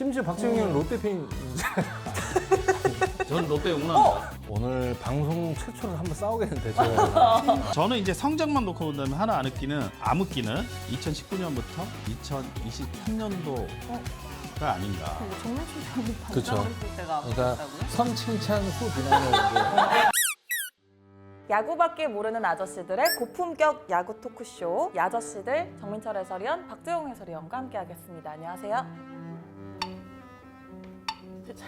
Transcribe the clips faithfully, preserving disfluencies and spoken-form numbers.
심지어 박지웅이는 롯데 팬. 저는 롯데 응원합니다. 오늘 방송 최초로 한번 싸우겠는데 저. 저는 이제 성적만 놓고 본다면 하나 안 웃기는 안 웃기는 이천십구 년부터 이천이십삼 년도가 아닌가. 뭐 정말 출장이 그쵸. 반성을 했을 때가 그러니까 아프다고요? 선 칭찬 후 비난을 야구밖에 모르는 아저씨들의 고품격 야구 토크쇼 야저씨들 정민철 해설위원, 박재홍 해설위원과 함께하겠습니다. 안녕하세요. 진짜,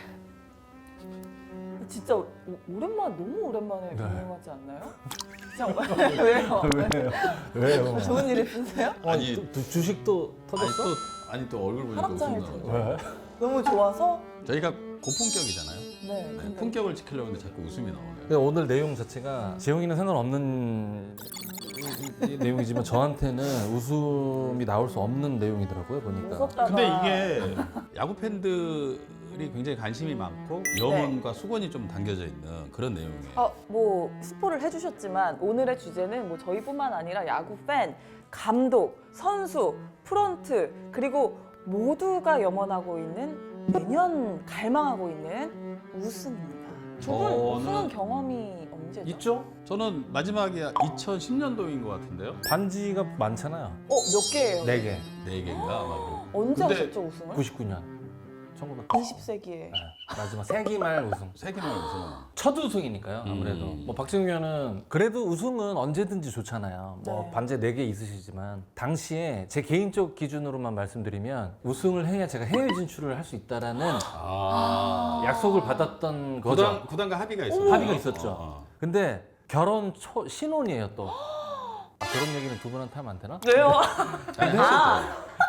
진짜 오, 오랜만 너무 오랜만에 네. 경험하지 않나요? 정말 왜요? 왜요? 왜요? 좋은 일 있으세요? 아니, 또, 또 주식도 아니 터졌어? 또 아니 또 얼굴 보니까 하락장일 웃음 텐데. 나와요. 왜? 너무 좋아서 저희가 고품격이잖아요. 네. 네, 근데 품격을 지키려고 하는데 자꾸 웃음이 나오네요. 근데 오늘 내용 자체가 재용이는 상관없는 이- 이 내용이지만 저한테는 웃음이 나올 수 없는 내용이더라고요 보니까. 무섭다가 근데 이게 야구 팬들이 굉장히 관심이 많고 염원과 수건이 좀 담겨져 있는 그런 내용이에요. 아, 뭐 스포를 해주셨지만 오늘의 주제는 뭐 저희뿐만 아니라 야구 팬, 감독, 선수, 프런트 그리고 모두가 염원하고 있는 매년 갈망하고 있는 우승입니다. 두 분 저는- 우승한 경험이 언제죠? 있죠? 저는 마지막이 이천십 년도인 것 같은데요. 반지가 많잖아요. 어, 몇 개예요? 네 개. 네 개인가 아마. 언제 근데 하셨죠 우승을? 구십구 년. 천구백. 이십 세기에. 네, 마지막 세기말 우승. 세 개만 우승. 첫 우승이니까요 아무래도. 음. 뭐 박지웅 위원은 그래도 우승은 언제든지 좋잖아요. 뭐 네. 반지 네 개 있으시지만 당시에 제 개인적 기준으로만 말씀드리면 우승을 해야 제가 해외 진출을 할 수 있다라는 아. 약속을 받았던 거죠. 구단 구단과 합의가 있었죠. 합의가 있었죠. 어. 근데 결혼 초 신혼이에요 또. 아, 결혼 얘기는 두 분한테 하면 안 되나? 왜요? 잘 했었죠.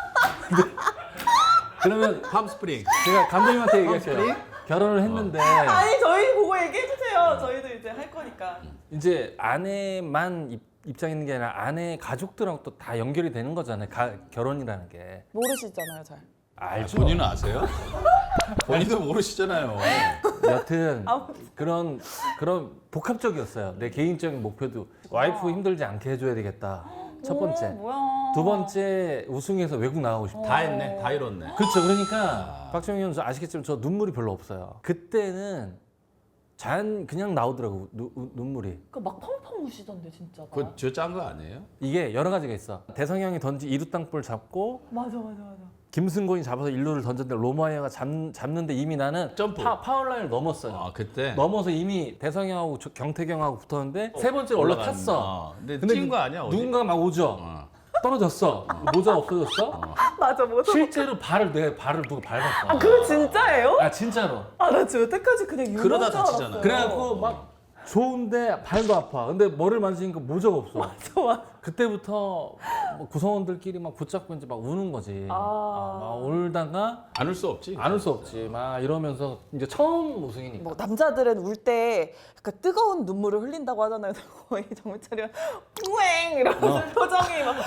그러면 팜스프링. 제가 감독님한테 얘기할게요. 결혼을 했는데 아니 저희 보고 얘기해 주세요. 저희도 이제 할 거니까. 이제 아내만 입, 입장 있는 게 아니라 아내 가족들하고 또 다 연결이 되는 거잖아요. 가, 결혼이라는 게. 모르시잖아요, 잘. 알죠. 본인은 아세요? 본인도 모르시잖아요. 여튼 아무튼. 그런 그런 복합적이었어요. 내 개인적인 목표도 와이프 힘들지 않게 해줘야 되겠다. 첫 오, 번째. 뭐야. 두 번째 우승해서 외국 나가고 싶다. 다 했네. 다 이뤘네. 그렇죠. 그러니까 박정희 의원 아시겠지만 저 눈물이 별로 없어요. 그때는 자연 그냥 나오더라고 누, 우- 눈물이. 그 막 펑펑 우시던데 진짜. 막. 그거 저짠거 아니에요? 이게 여러 가지가 있어. 대성형이 던지 이루 땅볼 잡고 맞아 맞아 맞아. 김승곤이 잡아서 일루를 던졌는데 로마이어가 잡, 잡는데 이미 나는 점프. 파, 파울라인을 넘었어요. 아 그때 넘어서 이미 대성형하고 저- 경태경하고 붙었는데 세 번째 올라탔어. 어, 근데, 근데 찐거 아니야? 어디? 누군가 막 오죠. 어. 떨어졌어. 모자 없어졌어. 맞아 맞아. 실제로 발을 내 발을 누가 밟았어. 아 그거 진짜예요? 아 진짜로. 아 나 지금 여태까지 그냥 유머인 그러다 줄 다치잖아. 알았어요. 그래갖고 막 좋은데 발도 아파. 근데 머리를 만지니까 모자가 없어. 맞아 맞아. 그때부터 뭐 구성원들끼리 막 붙잡고 이제 막 우는 거지. 아. 아, 막 울다가 안 울 수 없지. 안 울 수 없지. 막 이러면서 이제 처음 우승이니까. 뭐 남자들은 울 때 약간 뜨거운 눈물을 흘린다고 하잖아요. 거의 정민철이가 뿌앵 이러면서 어. 표정이 막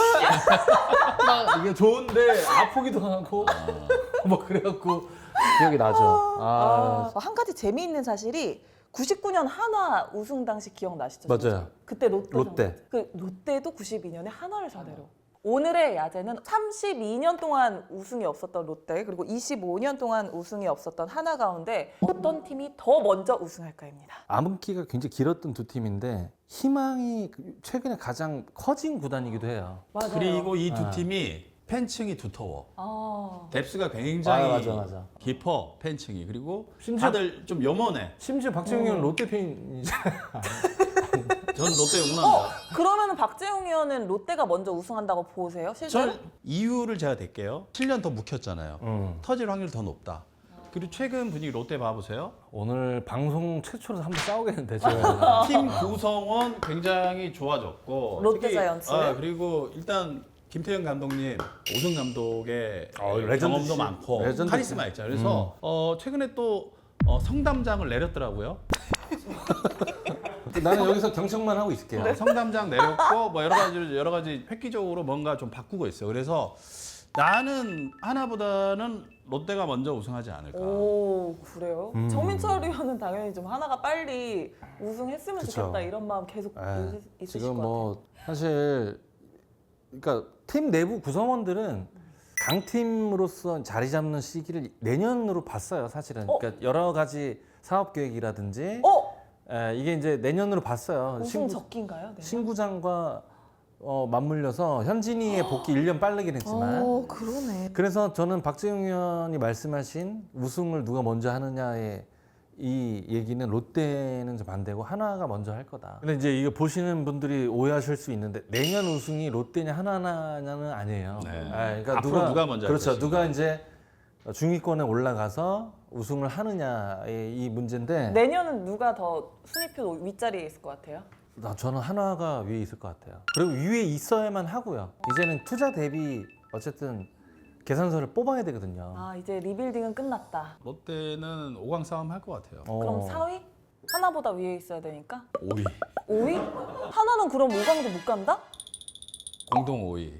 막 이게 좋은데 아프기도 하고 뭐 그래갖고 기억이 나죠. 아, 아, 한 가지 재미있는 사실이 구십구 년 한화 우승 당시 기억나시죠? 맞아요. 그때 롯데. 롯데. 그 롯데도 구십이 년에 한화를 상대로. 오늘의 야제는 삼십이 년 동안 우승이 없었던 롯데 그리고 이십오 년 동안 우승이 없었던 한화 가운데 어떤 팀이 더 먼저 우승할까입니다. 암흑기가 굉장히 길었던 두 팀인데 희망이 최근에 가장 커진 구단이기도 해요. 맞아요. 그리고 이 두 아. 팀이 팬층이 두터워. 아, 뎁스가 굉장히 아, 맞아, 맞아. 깊어 팬층이. 그리고 심지어- 다들 좀 염원해. 심지어 박지웅 형은 롯데 팬이잖아요. 저는 롯데 응원합니다. 그러면 박재홍 의원은 롯데가 먼저 우승한다고 보세요? 실제로? 저는 이유를 제가 댈게요. 칠 년 더 묵혔잖아요. 음. 터질 확률 더 높다. 그리고 최근 분위기 롯데 봐보세요. 오늘 방송 최초로 한번 싸우겠는데 제가. 팀 구성원 굉장히 좋아졌고 롯데 특히, 자이언츠. 아, 그리고 일단 김태형 감독님, 오승 감독의 어, 경험도 레전드지. 많고 레전드지. 카리스마 있죠. 그래서 어, 최근에 또 어, 성담장을 내렸더라고요. 나는 여기서 경청만 하고 있을게요. 어, 성담장 내렸고 뭐 여러 가지 여러 가지 획기적으로 뭔가 좀 바꾸고 있어요. 그래서 나는 하나보다는 롯데가 먼저 우승하지 않을까. 오 그래요? 음. 정민철 의원은 당연히 좀 하나가 빨리 우승했으면 그쵸. 좋겠다 이런 마음 계속 에, 있- 있으실 지금 것 뭐 사실 그러니까 팀 내부 구성원들은 강팀으로서 자리 잡는 시기를 내년으로 봤어요, 사실은. 어? 그러니까 여러 가지 사업 계획이라든지 어? 에, 이게 이제 내년으로 봤어요. 우승 신구, 적기인가요? 네. 신구장과 어, 맞물려서 현진이의 복귀 일 년 빠르긴 했지만 어, 그러네. 그래서 저는 박재용 의원이 말씀하신 우승을 누가 먼저 하느냐의 이 얘기는 롯데는 좀 반대고 하나가 먼저 할 거다. 근데 이제 이거 보시는 분들이 오해하실 수 있는데 내년 우승이 롯데냐 하나냐는 아니에요. 네. 아, 그러니까 앞으로 누가 먼저 할 그렇죠. 것인가. 누가 이제 중위권에 올라가서 우승을 하느냐의 이 문제인데 내년은 누가 더 순위표 윗자리에 있을 것 같아요? 나 저는 하나가 위에 있을 것 같아요. 그리고 위에 있어야만 하고요. 이제는 투자 대비 어쨌든 계산서를 뽑아야 되거든요. 아, 이제 리빌딩은 끝났다. 롯데는 오 강 싸움 할 것 같아요. 어. 그럼 사 위? 하나보다 위에 있어야 되니까? 오 위. 오 위? 하나는 그럼 오 강도 못 간다? 공동 오 위.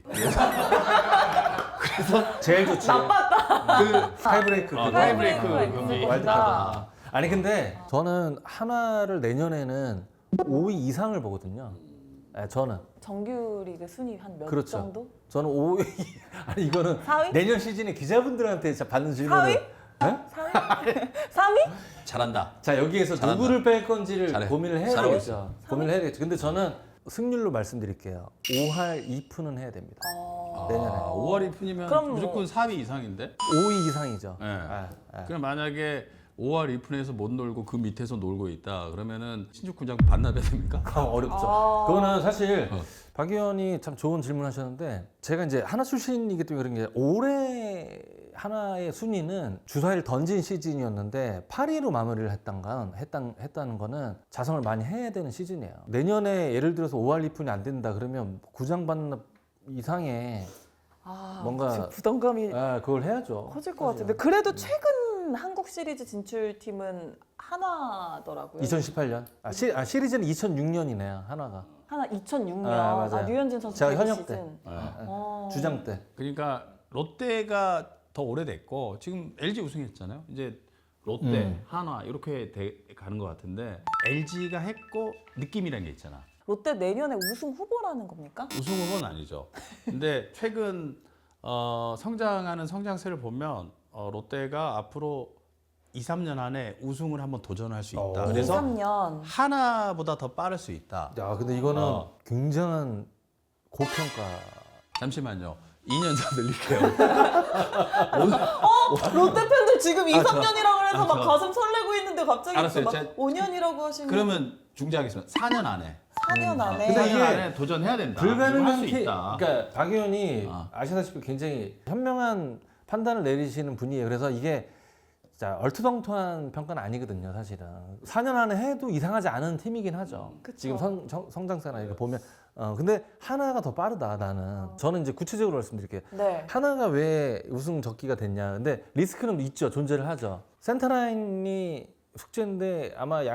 제일 좋지. 나빴다. 그 타이브레이크. 어, 그거. 타이브레이크 타이브레이크 경기. 있습니다. 와일드카드. 아니 근데 저는 하나를 내년에는 오 위 이상을 보거든요. 네, 저는 정규리그 순위 한 몇 그렇죠. 정도? 저는 오 위 아니 이거는 사 위? 내년 시즌에 기자분들한테 자- 받는 사 질문을 위? 네? 사 위? 삼 위? 잘한다. 자 여기에서 잘한다. 누구를 뺄 건지를 잘해. 고민을 해야 잘하고 되겠죠. 고민을 해야 되겠죠. 근데 저는 승률로 말씀드릴게요. 오 할 이 푼은 해야 됩니다. 어... 내년에. 아, 오월 이 푼이면 그럼 뭐- 무조건 사 위 이상인데? 오 위 이상이죠. 네. 아, 아. 그럼 만약에 오월 이 푼에서 못 놀고 그 밑에서 놀고 있다. 그러면은 신축군장 반납해야 됩니까? 아, 어렵죠. 아. 그거는 사실 어. 박 의원이 참 좋은 질문하셨는데 제가 이제 하나 출신이기 때문에 그런 게 올해 하나의 순위는 주사위를 던진 시즌이었는데 팔 위로 마무리를 했던 건 했단, 했다는 거는 자성을 많이 해야 되는 시즌이에요. 내년에 예를 들어서 오 할 이 푼이 안 된다 그러면 구장 반납 이상의 아, 뭔가- 지금 부담감이 아, 그걸 해야죠. 커질 것 같은데 그래도 최근 한국 시리즈 진출팀은 하나더라고요. 이천십팔 년 아, 시, 아, 시리즈는 이천육 년이네요. 하나가 하나 이천육 년. 아, 아, 맞아요. 류현진 선수 제가 데뷔 현역 시즌. 때. 어. 주장 때. 그러니까 롯데가 더 오래됐고 지금 엘지 우승했잖아요. 이제 롯데, 음. 한화 이렇게 돼 가는 것 같은데 엘지가 했고 느낌이라는 게 있잖아. 롯데 내년에 우승 후보라는 겁니까? 우승 후보는 아니죠. 근데 최근 어, 성장하는 성장세를 보면 어, 롯데가 앞으로 이, 삼 년 안에 우승을 한번 도전할 수 있다. 어. 이, 그래서 삼 년. 하나보다 더 빠를 수 있다. 야, 근데 이거는 어. 굉장한 고평가. 잠시만요. 이 년 더 늘릴게요. 롯데 팬들 지금 이, 아, 삼 저- 년이라고 해서 아, 막 저- 가슴 설레고 있는데 갑자기 알았어요. 막 제가- 오 년이라고 하시면 그러면 중재하겠습니다. 사 년 안에. 사 년 안에 근데 사 년 이게 안에 도전해야 된다. 할 불가능한 수 케 있다. 그러니까 박 의원이 아. 아시다시피 굉장히 현명한 판단을 내리시는 분이에요. 그래서 이게 자 얼토당토한 평가는 아니거든요, 사실은. 사 년 안에 해도 이상하지 않은 팀이긴 하죠. 그쵸. 지금 성, 성, 성장세나 이렇게 보면. 어, 근데 하나가 더 빠르다, 나는. 저는 이제 구체적으로 말씀드릴게요. 네. 하나가 왜 우승 적기가 됐냐. 근데 리스크는 있죠. 존재를 하죠. 센터라인이 숙제인데 아마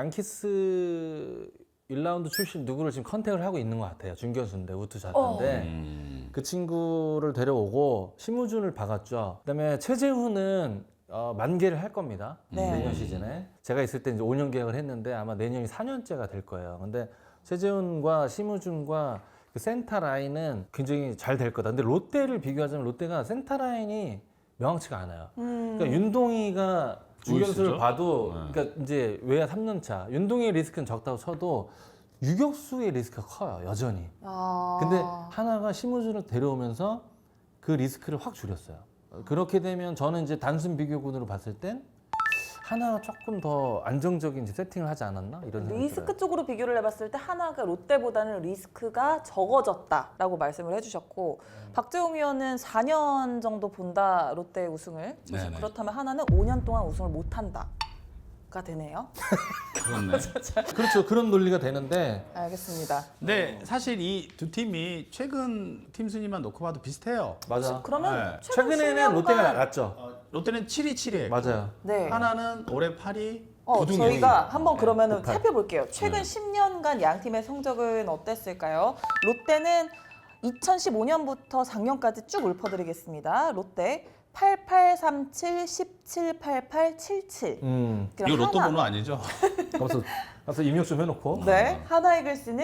양키스 일 라운드 출신 누구를 지금 컨택을 하고 있는 것 같아요. 준결수인데 우투 자인데 음. 그 친구를 데려오고 심우준을 박았죠. 그다음에 최재훈은 어, 만개를 할 겁니다. 네. 내년 시즌에. 제가 있을 때 이제 오 년 계약을 했는데 아마 내년이 사 년째가 될 거예요. 근데 최재훈과 심우준과 그 센터 라인은 굉장히 잘 될 거다. 근데 롯데를 비교하자면 롯데가 센터 라인이 명확치가 않아요. 음. 그러니까 윤동희가 중견수를 루이스죠? 봐도 네. 그러니까 이제 외야 삼 년 차. 윤동희의 리스크는 적다고 쳐도 유격수의 리스크가 커요. 여전히. 아. 근데 하나가 심우준을 데려오면서 그 리스크를 확 줄였어요. 그렇게 되면 저는 이제 단순 비교군으로 봤을 땐 하나가 조금 더 안정적인 이제 세팅을 하지 않았나 이런 생각이 리스크 들어요. 쪽으로 비교를 해봤을 때 하나가 롯데보다는 리스크가 적어졌다라고 말씀을 해주셨고 음. 박재홍 위원은 사 년 정도 본다 롯데 우승을. 네네. 그렇다면 하나는 오 년 동안 우승을 못한다가 되네요. 그렇네. 그렇죠. 그런 논리가 되는데 알겠습니다. 근데 사실 이 두 팀이 최근 팀 순위만 놓고 봐도 비슷해요. 맞아. 그러면 네. 최근 최근에는 십 년간 롯데가 나갔죠. 어, 롯데는 칠 위 칠 위 했고 맞아요. 네. 하나는 올해 팔 위 어, 구등 저희가 일 위. 한번 그러면은 구팔. 살펴볼게요. 최근 네. 십 년간 양 팀의 성적은 어땠을까요? 롯데는 이천십오 년부터 작년까지 쭉 읊어드리겠습니다. 롯데 팔팔 삼칠 십칠 팔팔 칠칠. 음. 이거 로또 번호 아니죠? 가서 가서 입력 좀 해놓고. 네, 하나이글스는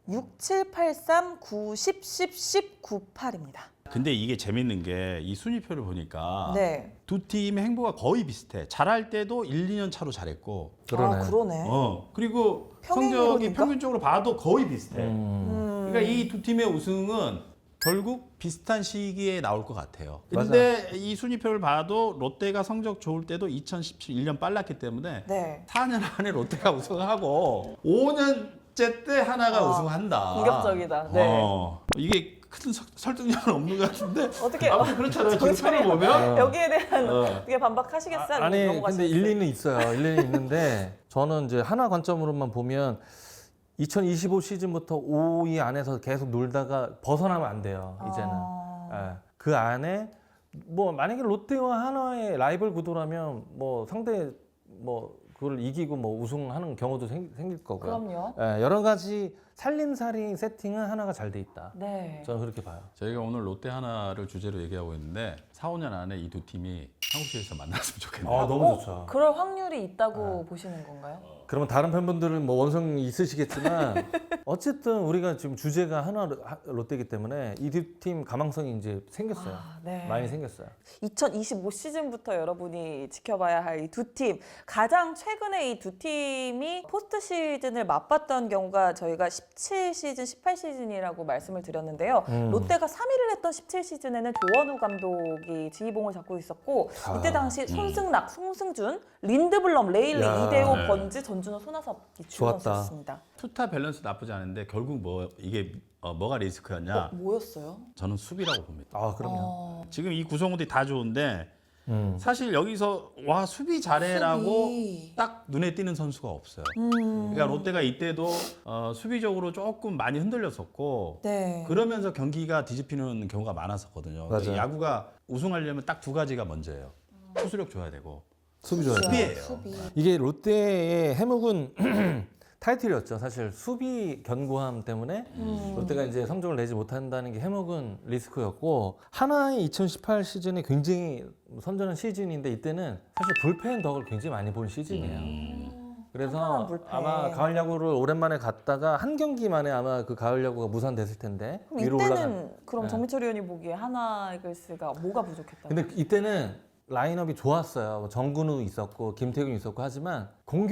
육, 칠, 팔, 삼, 구, 십, 십, 십, 구, 팔입니다. 근데 이게 재밌는 게 이 순위표를 보니까 네. 두 팀의 행보가 거의 비슷해. 잘할 때도 일, 이 년 차로 잘했고. 그러네. 아, 그러네. 어. 그리고 성적이 평행이론인가? 평균적으로 봐도 거의 비슷해. 음. 음. 그러니까 이 두 팀의 우승은 결국 비슷한 시기에 나올 것 같아요. 근데 이 순위표를 봐도 롯데가 성적 좋을 때도 이천십칠 일 년 빨랐기 때문에 네. 사 년 안에 롯데가 우승하고 오 년째 때 하나가 아, 우승한다. 공격적이다. 네. 어, 이게 큰 서- 설득력은 없는 것 같은데 어떻게 아무튼 그렇잖아요. 정철이 지금 표를 보면 여기에 대한 어. 어떻게 반박하시겠어요? 아, 아니 근데 넘어가시겠어요? 일리는 있어요. 일리는 있는데 저는 이제 하나 관점으로만 보면 이천이십오 시즌부터 오 위 안에서 계속 놀다가 벗어나면 안 돼요. 이제는 아. 예. 그 안에 뭐 만약에 롯데와 하나의 라이벌 구도라면 뭐 상대 뭐 그걸 이기고 뭐 우승하는 경우도 생, 생길 거고요. 그럼요. 예, 여러 가지 살림살이 세팅은 하나가 잘 돼 있다. 네. 저는 그렇게 봐요. 저희가 오늘 롯데 하나를 주제로 얘기하고 있는데 사, 오 년 안에 이 두 팀이 한국시에서 만났으면 좋겠네요. 아 너무 어? 좋죠. 그럴 확률이 있다고 보시는 건가요? 그러면 다른 팬분들은 뭐 원성이 있으시겠지만 어쨌든 우리가 지금 주제가 하나 하- 롯데이기 때문에 이 두 팀 가망성이 이제 생겼어요. 아, 네. 많이 생겼어요. 이천이십오 시즌부터 여러분이 지켜봐야 할 이 두 팀. 가장 최근에 이 두 팀이 포스트 시즌을 맞봤던 경우가 저희가 십칠 시즌, 십팔 시즌이라고 말씀을 드렸는데요. 음. 롯데가 삼 위를 했던 십칠 시즌에는 조원우 감독이 지휘봉을 잡고 있었고 아, 이때 당시 손승락, 송승준, 린드블럼, 레일리, 야. 이대호, 네. 번즈, 전준호, 손아섭이 좋았다. 주연이었습니다. 투타 밸런스 나쁘지 않은데 결국 뭐 이게 어, 뭐가 어, 리스크였냐? 뭐였어요? 저는 수비라고 봅니다. 아 그럼요. 어, 지금 이 구성원들이 다 좋은데 음. 사실 여기서 와 수비 잘해라고 수비. 딱 눈에 띄는 선수가 없어요. 음. 그러니까 롯데가 이때도 어, 수비적으로 조금 많이 흔들렸었고 네. 그러면서 경기가 뒤집히는 경우가 많았었거든요. 맞아요. 그러니까 야구가 우승하려면 딱 두 가지가 먼저예요. 투수력 줘야 되고 수비 좋아요. 수비예요. 수비. 이게 롯데의 해묵은 타이틀이었죠. 사실 수비 견고함 때문에 음. 롯데가 이제 성적을 내지 못한다는 게 해묵은 리스크였고 하나의 이천십팔 시즌이 굉장히 선전한 시즌인데 이때는 사실 불펜 덕을 굉장히 많이 본 시즌이에요. 한편한 그래서 불펜. 아마 가을 야구를 오랜만에 갔다가 한 경기 만에 아마 그 가을 야구가 무산됐을 텐데 그럼 위로 이때는 올라간. 그럼 네. 정민철 의원이 보기에 하나 이글스가 뭐가 부족했다? 근데 이때는 라인업이 좋았어요. 뭐 정근우 있었고 김태균 있었고 하지만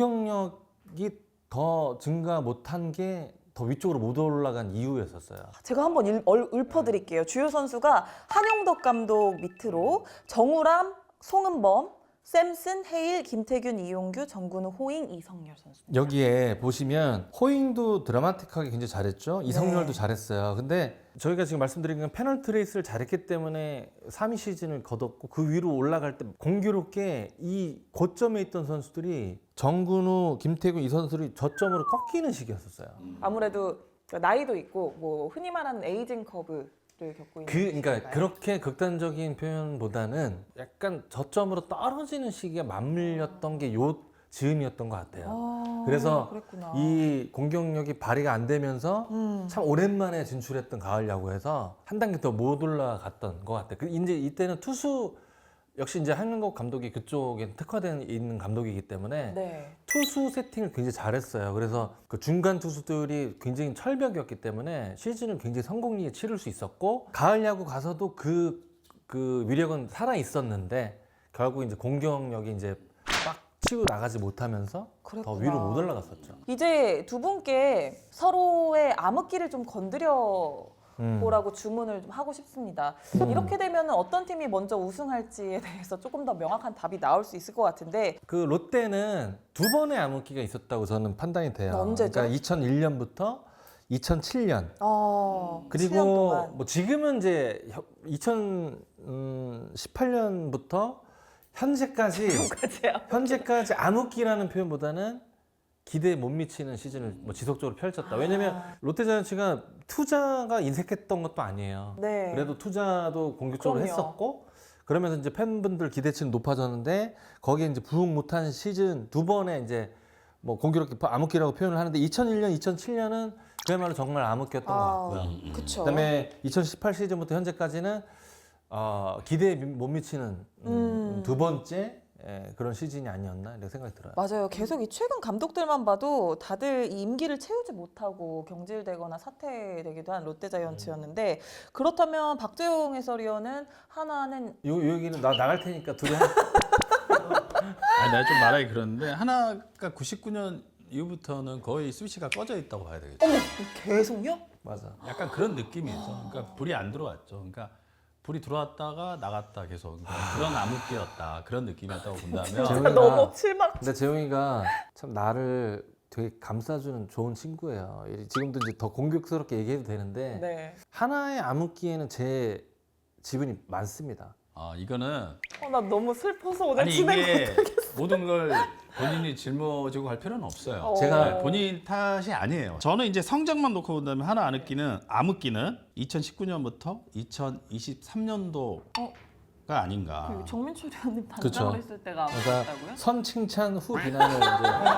공격력이 더 증가 못한 게 더 위쪽으로 못 올라간 이유였었어요. 제가 한번 일, 얼, 읊어드릴게요. 주요 선수가 한용덕 감독 밑으로 정우람, 송은범, 샘슨, 헤일, 김태균, 이용규, 정근우, 호잉, 이성열 선수. 여기에 보시면 호잉도 드라마틱하게 굉장히 잘했죠. 이성열도 네. 잘했어요. 근데 저희가 지금 말씀드린 건 페널티 레이스를 잘했기 때문에 삼 위 시즌을 거뒀고 그 위로 올라갈 때 공교롭게 이 고점에 있던 선수들이 정근우, 김태균 이 선수들이 저점으로 꺾이는 시기였었어요. 아무래도 나이도 있고 뭐 흔히 말하는 에이징 커브를 겪고 있는. 그, 그러니까 시기인가요? 그렇게 극단적인 표현보다는 약간 저점으로 떨어지는 시기가 맞물렸던 게 요 즈음이었던 것 같아요. 아, 그래서 그랬구나. 이 공격력이 발휘가 안 되면서 음. 참 오랜만에 진출했던 가을 야구에서 한 단계 더 못 올라갔던 것 같아요. 그 이제 이때는 투수 역시 이제 한국 감독이 그쪽에 특화된 있는 감독이기 때문에 네. 투수 세팅을 굉장히 잘했어요. 그래서 그 중간 투수들이 굉장히 철벽이었기 때문에 시즌을 굉장히 성공리에 치를 수 있었고 가을 야구 가서도 그, 그 위력은 살아 있었는데 결국 이제 공격력이 이제 빡 치고 나가지 못하면서 그랬구나. 더 위로 못 올라갔었죠. 이제 두 분께 서로의 암흑기를 좀 건드려 음. 보라고 주문을 좀 하고 싶습니다. 이렇게 되면 어떤 팀이 먼저 우승할지에 대해서 조금 더 명확한 답이 나올 수 있을 것 같은데 그 롯데는 두 번의 암흑기가 있었다고 저는 판단이 돼요. 언제죠? 그러니까 이천일 년부터 이천칠 년 어, 칠 년 그리고 동안. 뭐 지금은 이제 이천십팔 년부터 현재까지 까지요. 현재까지 암흑기라는 표현보다는 기대에 못 미치는 시즌을 뭐 지속적으로 펼쳤다. 왜냐면 아. 롯데자이언츠가 투자가 인색했던 것도 아니에요. 네. 그래도 투자도 공격적으로 그럼요. 했었고 그러면서 이제 팬분들 기대치는 높아졌는데 거기에 이제 부응 못한 시즌 두 번에 이제 뭐 공교롭게 암흑기라고 표현을 하는데 이천일 년, 이천칠 년은 그야말로 정말 암흑기였던 것 같고요. 아, 그쵸. 그다음에 이천십팔 시즌부터 현재까지는 어, 기대에 미- 못 미치는 음, 음. 두 번째 예, 그런 시즌이 아니었나 이렇게 생각이 들어요. 맞아요. 계속 이 최근 감독들만 봐도 다들 이 임기를 채우지 못하고 경질되거나 사퇴되기도 한 롯데자이언츠였는데 그렇다면 박재홍 해설위원은 하나는 요, 요 얘기는 나 나갈 테니까 둘이 한 아니, 내가 좀 말하기 그러는데 하나가 구십구 년 이후부터는 거의 스위치가 꺼져 있다고 봐야 되겠죠. 어머 계속요? 맞아. 약간 그런 느낌이죠. 그러니까 불이 안 들어왔죠. 그러니까 불이 들어왔다가 나갔다 계속 그러니까 그런 암흑기였다. 그런 느낌이었다고 본다면 재훈이가- 너무 실망. 근데 재용이가 참 나를 되게 감싸주는 좋은 친구예요. 지금도 이제 더 공격스럽게 얘기해도 되는데 네. 하나의 암흑기에는 제 지분이 많습니다. 아, 이거는 어, 나 너무 슬퍼서 오늘 아니 진행 이게 모든 걸 본인이 짊어지고 갈 필요는 없어요. 어. 제가 네, 본인 탓이 아니에요. 저는 이제 성적만 놓고 본다면 하나 암흑기는 암흑기는 이천십구 년부터 이천이십삼 년도가 어? 아닌가. 그 정민철 의원님 그쵸. 단장을 했을 때가 그러니까 아무였다고요? 선 칭찬 후 비난을 이제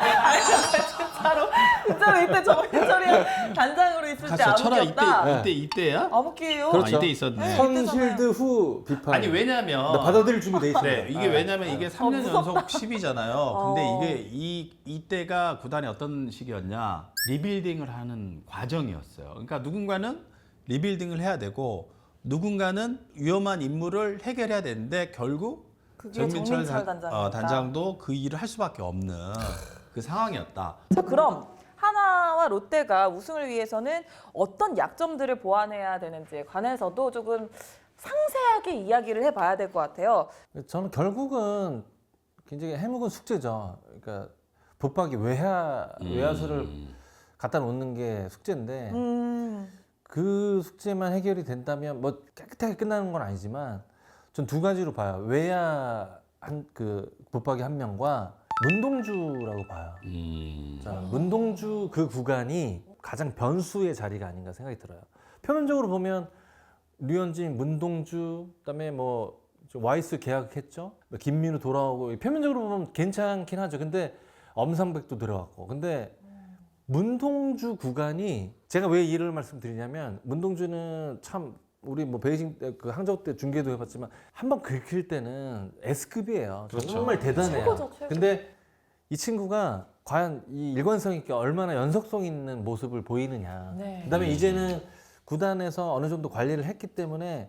진짜로 진짜로 이때 정민철 의원 단장으로 있을 때 갔어. 철아 이때 암흑기였다. 이때 이때야? 암흑기예요. 그렇죠. 아, 이때 있었네. 선 실드 후 비판. 아니 왜냐면 나 받아들일 준비 돼 있습니다. 네, 이게 아. 왜냐면 이게 삼 년 무섭다. 연속 십이잖아요. 근데 어. 이게 이 이때가 구단이 어떤 시기였냐? 리빌딩을 하는 과정이었어요. 그러니까 누군가는 리빌딩을 해야 되고 누군가는 위험한 임무를 해결해야 되는데 결국 그게 정민철 정민철 단, 단장이었다. 어, 단장도 그 일을 할 수밖에 없는 그 상황이었다. 자 그럼 하나와 롯데가 우승을 위해서는 어떤 약점들을 보완해야 되는지에 관해서도 조금 상세하게 이야기를 해봐야 될 것 같아요. 저는 결국은 굉장히 해묵은 숙제죠. 그러니까 붙박이 외야 외야수를 음. 갖다 갖다 놓는 게 숙제인데 음, 그 숙제만 해결이 된다면 뭐 깨끗하게 끝나는 건 아니지만 전 두 가지로 봐요. 외야 한 그 붙박이 한 명과 문동주라고 봐요. 음. 자, 문동주 그 구간이 가장 변수의 자리가 아닌가 생각이 들어요. 표면적으로 보면 류현진, 문동주, 그다음에 뭐 와이스 계약했죠. 뭐 김민우 돌아오고 표면적으로 보면 괜찮긴 하죠. 근데 엄상백도 들어갔고. 근데 문동주 구간이 제가 왜 이를 말씀드리냐면 문동주는 참 우리 뭐 베이징 때 그 항저우 때 중계도 해봤지만 한 번 긁힐 때는 S급이에요. 그렇죠. 정말 대단해요. 최고죠, 최고. 근데 이 친구가 과연 이 일관성 있게 얼마나 연속성 있는 모습을 보이느냐. 네. 그다음에 음. 이제는 구단에서 어느 정도 관리를 했기 때문에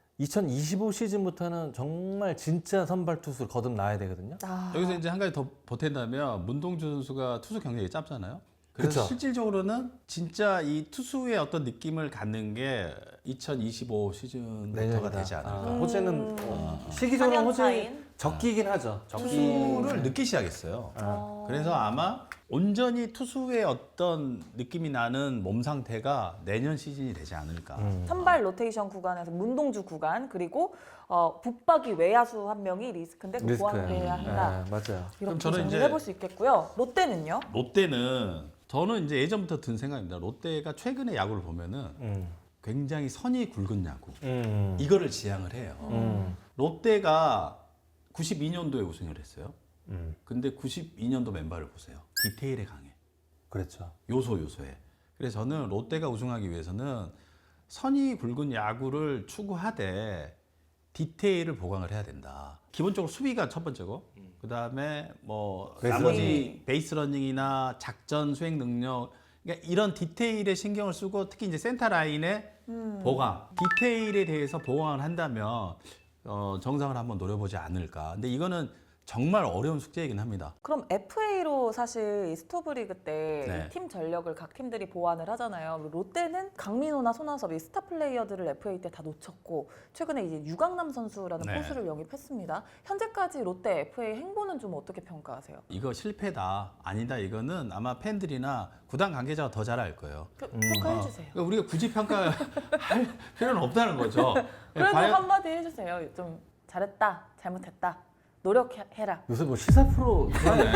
이천이십오 시즌부터는 정말 진짜 선발 투수를 거듭나야 되거든요. 아, 여기서 이제 한 가지 더 보탠다면 문동주 선수가 투수 경력이 짧잖아요. 그래서 그쵸. 실질적으로는 진짜 이 투수의 어떤 느낌을 갖는 게 이천이십오 시즌부터가 내년이다. 되지 않을까. 아, 호재는 음. 시기적으로 사 년 호재 차인? 적기긴 하죠. 적기. 투수를 늦기 시작했어요. 어. 그래서 아마 온전히 투수의 어떤 느낌이 나는 몸 상태가 내년 시즌이 되지 않을까. 음. 선발 로테이션 구간에서 문동주 구간 그리고 어, 붙박이 외야수 한 명이 리스크인데 그 리스크예요. 보완을 해야 한다. 네, 맞아요. 이렇게 그럼 저는 정리해 이제- 볼 수 있겠고요. 롯데는요? 롯데는 저는 이제 예전부터 든 생각입니다. 롯데가 최근에 야구를 보면은 음. 굉장히 선이 굵은 야구. 음. 이거를 지향을 해요. 음. 롯데가 구십이 년도에 우승을 했어요. 음. 근데 구십이 년도 멤버를 보세요. 디테일에 강해. 그렇죠. 요소 요소에. 그래서 저는 롯데가 우승하기 위해서는 선이 굵은 야구를 추구하되 디테일을 보강을 해야 된다. 기본적으로 수비가 첫 번째고, 그 다음에 뭐 베이스 나머지 베이스 러닝이나 작전 수행 능력, 그러니까 이런 디테일에 신경을 쓰고 특히 이제 센터 라인의 음. 보강, 디테일에 대해서 보강을 한다면 어, 정상을 한번 노려보지 않을까. 근데 이거는 정말 어려운 숙제이긴 합니다. 그럼 에프에이로 사실 이 스토브리그 때 네. 팀 전력을 각 팀들이 보완을 하잖아요. 롯데는 강민호나 손아섭 이 스타 플레이어들을 에프에이 때 다 놓쳤고 최근에 이제 유강남 선수라는 네. 포수를 영입했습니다. 현재까지 롯데 에프에이 행보는 좀 어떻게 평가하세요? 이거 실패다, 아니다, 이거는 아마 팬들이나 구단 관계자가 더 잘 알 거예요. 그, 음. 평가해 어, 주세요. 그러니까 우리가 굳이 평가할 필요는 없다는 거죠. 그래도 과연- 한마디 해주세요. 좀 잘했다, 잘못했다, 노력해라. 요새 뭐 시사 프로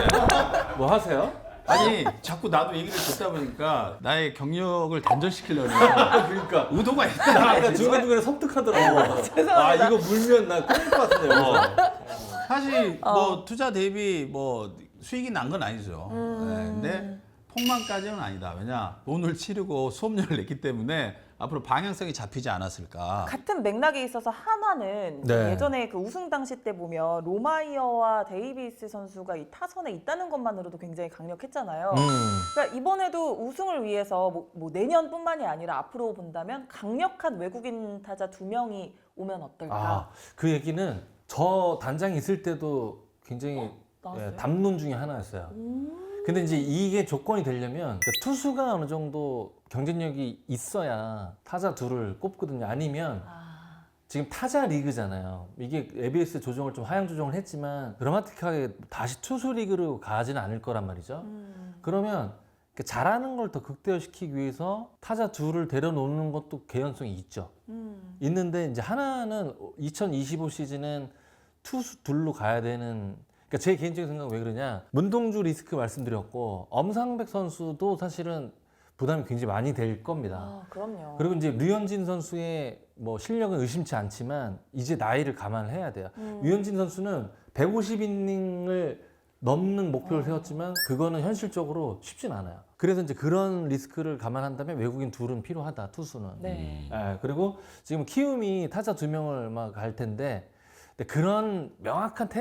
뭐 하세요? 아니 자꾸 나도 얘기를 듣다 보니까 나의 경력을 단절시키려는 그러니까 의도가 나 있다. 아까 중간중간에 섬뜩하더라고. 아 이거 물면 나 끊을 것 같은데. 어. 여기서. 사실 어. 뭐 투자 대비 뭐 수익이 난 건 아니죠. 음. 네, 근데 폭망까지는 아니다. 왜냐 돈을 치르고 수업료를 냈기 때문에 앞으로 방향성이 잡히지 않았을까. 같은 맥락에 있어서 한화는 네. 예전에 그 우승 당시 때 보면 로마이어와 데이비스 선수가 이 타선에 있다는 것만으로도 굉장히 강력했잖아요. 음. 그러니까 이번에도 우승을 위해서 뭐, 뭐 내년뿐만이 아니라 앞으로 본다면 강력한 외국인 타자 두 명이 오면 어떨까? 아, 그 얘기는 저 단장이 있을 때도 굉장히 나왔어요? 예, 담론 중에 하나였어요. 음. 근데 이제 이게 조건이 되려면 그러니까 투수가 어느 정도 경쟁력이 있어야 타자 둘을 꼽거든요. 아니면 아, 지금 타자 리그잖아요. 이게 에이비에스 조정을 좀 하향 조정을 했지만 드라마틱하게 다시 투수 리그로 가지는 않을 거란 말이죠. 음. 그러면 그 잘하는 걸 더 극대화시키기 위해서 타자 둘을 데려놓는 것도 개연성이 있죠. 음. 있는데 이제 하나는 이천이십오 시즌은 투수 둘로 가야 되는. 그러니까 제 개인적인 생각은 왜 그러냐, 문동주 리스크 말씀드렸고 엄상백 선수도 사실은 부담이 굉장히 많이 될 겁니다. 아, 그럼요. 그리고 이제 류현진 선수의 뭐 실력은 의심치 않지만 이제 나이를 감안해야 돼요. 음. 류현진 선수는 백오십 이닝을 넘는 목표를 어. 세웠지만 그거는 현실적으로 쉽진 않아요. 그래서 이제 그런 리스크를 감안한다면 외국인 둘은 필요하다, 투수는. 네. 예, 그리고 지금 키움이 타자 두 명을 막 갈 텐데 근데 그런 명확한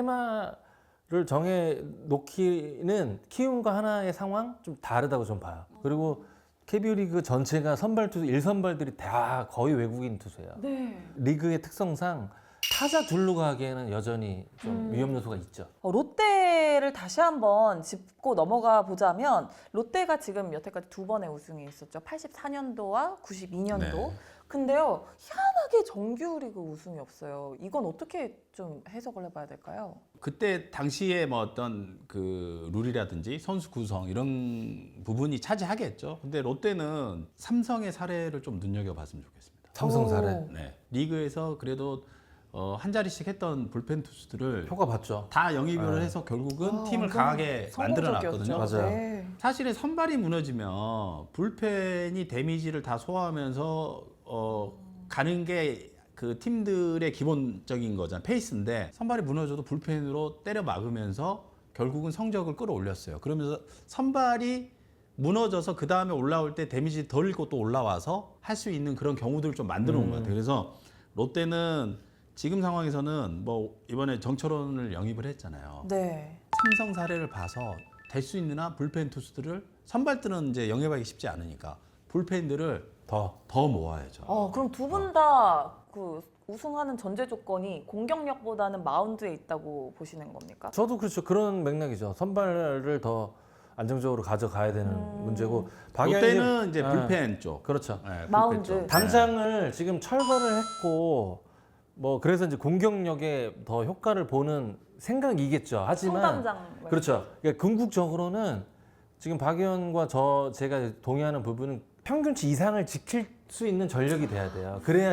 테마를 정해 놓기는 키움과 하나의 상황 좀 다르다고 좀 봐요. 그리고 케이비오 리그 전체가 선발 투수 일 선발들이 다 거의 외국인 투수예요. 네. 리그의 특성상 타자 둘로 가기에는 여전히 좀 음. 위험 요소가 있죠. 어, 롯데를 다시 한번 짚고 넘어가 보자면 롯데가 지금 여태까지 두 번의 우승이 있었죠. 팔십사 년도와 구십이 년도. 네. 근데요, 희한하게 정규리그 우승이 없어요. 이건 어떻게 좀 해석을 해봐야 될까요? 그때 당시에 뭐 어떤 그 룰이라든지 선수 구성 이런 부분이 차지하겠죠. 근데 롯데는 삼성의 사례를 좀 눈여겨봤으면 좋겠습니다. 삼성 사례. 오. 네. 리그에서 그래도 어, 한 자리씩 했던 불펜 투수들을 효과 봤죠. 다 영입을 네. 해서 결국은 아, 팀을 완전 강하게 만들어놨거든요. 성공적이었죠. 맞아요. 네. 사실은 선발이 무너지면 불펜이 데미지를 다 소화하면서 어, 가는 게 그 팀들의 기본적인 거잖아요. 페이스인데 선발이 무너져도 불펜으로 때려 막으면서 결국은 성적을 끌어올렸어요. 그러면서 선발이 무너져서 그 다음에 올라올 때 데미지 덜 입고 또 올라와서 할 수 있는 그런 경우들을 좀 만들어 놓은 것 같아요. 그래서 롯데는 지금 상황에서는 뭐 이번에 정철원을 영입을 했잖아요. 네. 삼성 사례를 봐서 될 수 있는 한 불펜 투수들을 선발들은 이제 영입하기 쉽지 않으니까 불펜들을 더. 더 모아야죠. 어, 그럼 두 분 다 그 우승하는 전제 조건이 공격력보다는 마운드에 있다고 보시는 겁니까? 저도 그렇죠. 그런 맥락이죠. 선발을 더 안정적으로 가져가야 되는 음. 문제고. 박영희 롯데는 이제 네. 불펜 쪽. 그렇죠. 네, 불펜 마운드. 쪽. 당장을 지금 철거를 했고 뭐 그래서 이제 공격력에 더 효과를 보는 생각이겠죠. 하지만 성담장. 그렇죠. 그러니까 궁극적으로는 지금 박 의원과 저 제가 동의하는 부분은 평균치 이상을 지킬 수 있는 전력이 돼야 돼요. 그래야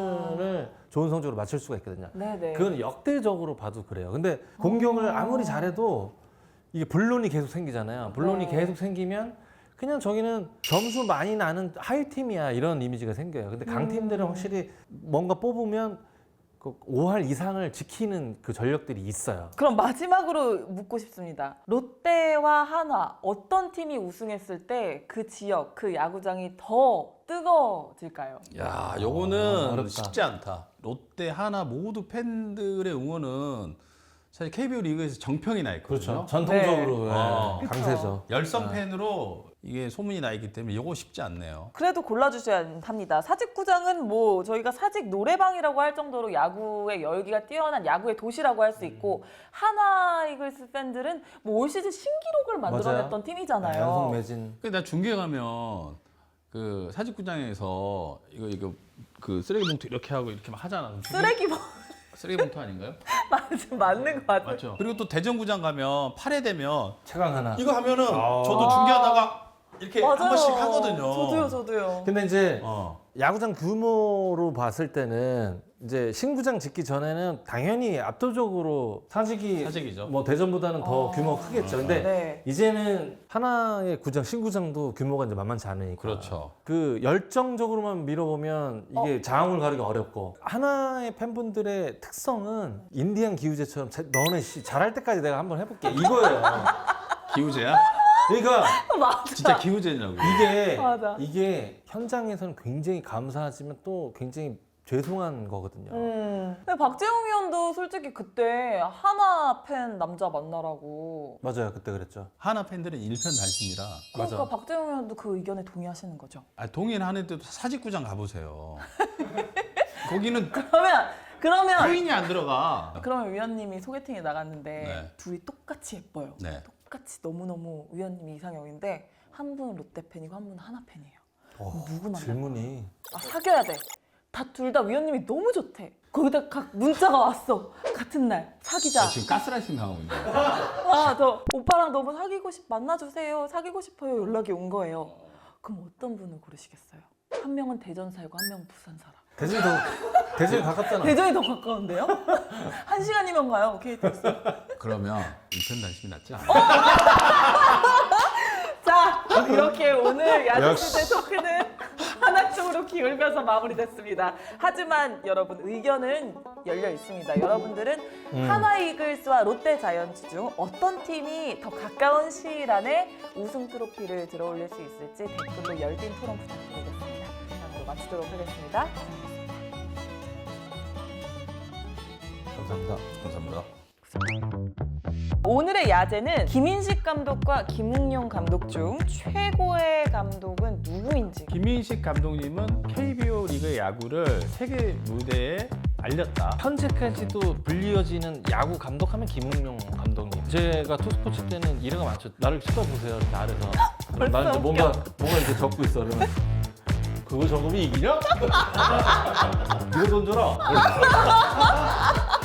시즌을 좋은 성적으로 맞출 수가 있거든요. 네네. 그건 역대적으로 봐도 그래요. 근데 공격을 어. 아무리 잘해도 이게 분론이 계속 생기잖아요. 분론이 네. 계속 생기면 그냥 저기는 점수 많이 나는 하이 팀이야 이런 이미지가 생겨요. 근데 강팀들은 음. 확실히 뭔가 뽑으면 그 오 할 이상을 지키는 그 전력들이 있어요. 그럼 마지막으로 묻고 싶습니다. 롯데와 한화 어떤 팀이 우승했을 때 그 지역, 그 야구장이 더 뜨거워질까요? 야, 아, 요거는 어렵다. 쉽지 않다. 롯데, 하나 모두 팬들의 응원은 사실 케이비오 리그에서 정평이 나 있거든요. 전통적으로 네. 예, 어. 강세죠. 열성 네. 팬으로 이게 소문이 나 있기 때문에 요거 쉽지 않네요. 그래도 골라주셔야 합니다. 사직구장은 뭐 저희가 사직 노래방이라고 할 정도로 야구의 열기가 뛰어난 야구의 도시라고 할 수 있고 하나 이글스 팬들은 뭐 올 시즌 신기록을 만들어냈던 맞아요. 팀이잖아요. 연속 매진. 근데 나 중계 가면 그 사직구장에서 이거 이거 그 쓰레기 봉투 이렇게 하고 이렇게 막 하잖아. 그럼 중계- 쓰레기 뭐 쓰레기 봉투 아닌가요? 맞- 맞는 것 같아요. 맞죠. 그리고 또 대전구장 가면 팔 회 되면 최강 하나. 이거 하면은 아. 저도 중계하다가 이렇게 한 번씩 하거든요. 저도요, 저도요. 근데 이제 어. 야구장 규모로 봤을 때는 이제 신구장 짓기 전에는 당연히 압도적으로 사직이 사직이죠. 뭐 대전보다는 더 어. 규모가 크겠죠. 근데 네. 이제는 하나의 구장, 신구장도 규모가 이제 만만치 않으니까. 그렇죠. 그 열정적으로만 밀어보면 이게 장을 가르기 어렵고 하나의 팬분들의 특성은 인디안 기우제처럼 자- 너네 씨 잘할 때까지 내가 한번 해볼게 이거예요. 기우제야? 그러니까 맞아. 진짜 기우제냐고. 이게 맞아. 이게 현장에서는 굉장히 감사하지만 또 굉장히 죄송한 거거든요. 음. 근데 박재홍 의원도 솔직히 그때 하나 팬 남자 만나라고. 맞아요, 그때 그랬죠. 하나 팬들은 일편단심이라. 그러니까 맞아. 박재홍 의원도 그 의견에 동의하시는 거죠. 아, 동의는 하는데도 사직구장 가보세요. 거기는 그러면 그러면 코인이 안 들어가. 그러면 위원님이 소개팅에 나갔는데 네. 둘이 똑같이 예뻐요. 네. 똑같이 너무너무 위원님이 이상형인데 한 분은 롯데 팬이고 한 분은 하나 팬이에요. 어, 누구 만나? 질문이 아 사귀어야 돼. 다 둘 다 위원님이 너무 좋대. 거기다 각 문자가 왔어. 같은 날 사귀자. 아, 지금 가스라이팅 당하고 있는 거야. 아 저 오빠랑 너무 사귀고 싶 만나주세요. 사귀고 싶어요. 연락이 온 거예요. 그럼 어떤 분을 고르시겠어요? 한 명은 대전 살고 한 명은 부산 살아. 대전이 더 대전이 가깝잖아. 대전이 더 가까운데요? 한 시간이면 가요. 케이티엑스. 그러면 일편단심이 낫지 않아? 자 이렇게 오늘 역시. 야구시대 토크는 하나 쪽으로 기울면서 마무리됐습니다. 하지만 여러분 의견은 열려 있습니다. 여러분들은 음. 하나 이글스와 롯데 자이언츠 중 어떤 팀이 더 가까운 시일 안에 우승 트로피를 들어올릴 수 있을지 댓글로 열띤 토론 부탁드리겠습니다. 이상으로 마치도록 하겠습니다. 감사합니다. 감사합니다. 오늘의 야제는 김인식 감독과 김웅용 감독 중 최고의 감독은 누구인지. 김인식 감독님은 케이비오 리그의 야구를 세계 무대에 알렸다. 현재까지도 불리어지는 야구 감독하면 김웅용 감독님. 제가 투스포츠 때는 이래가 많죠. 나를 쳐다보세요. 이렇게 아래서. 그럼 나는 이제 뭔가 뭔가 이렇게 적고 있어. 그러면 그거 적으면 이기냐? 이거 던져라.